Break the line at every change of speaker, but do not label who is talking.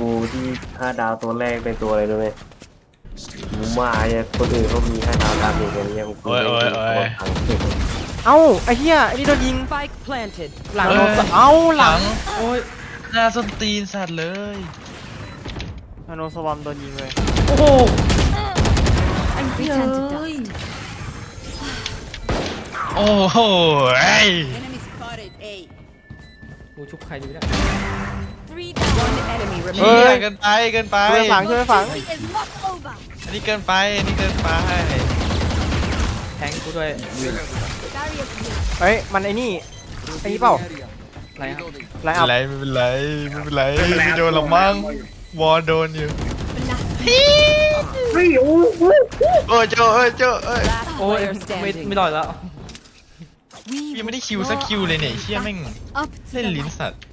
ที่5 ดาวตัวแรกเป็นตัวอะไรรู้ไหมหมูหมาเนี่ยคนอื่นเขามี5 ดาวดาเมจกันเนี่ยกูไม่ได้ตัวพัง
เอ้าไอ้เหี้ยไอ้นี่โดนยิง
Spike planted.
หลังเอ้าหลัง
โอ้ยหน้าส้นตีนสัตว์เลย
นาโนสวอมโดนยิงเลย
โอ้โห
Return to dust.
โอ้โหไอ้
Enemy spotted. A.
กูชุบใครดีไม่ได้
One enemy
เฮ้
remaining.
ยเกินไปเกินไป
ช่วยฝังช่วยฝัง
Is not over.
อันนี้เกินไปอันนี้เกินไป
แทงกูด้วย
เฮ้ยมันไอ้นี่ไอ้นี่เปล่า
อะไรครับ
ไลน์
ไม่
อัพ
เป็นไรไม่เป็นไรไม่เป็นไรไม่โดนหรอกมั้งวอลโดนอยู่โอ้ยเจ้าเอ้ยเจ้าเอ้ย
Last
โอ้ย
player
ไม่
standing.
รอดแล้ว
ยังไม่ได้คิวสักคิวเลยเนี่ยเชี่ยแม่ง
Up to
เล่น
the
ลิ้น
light.
สัตว์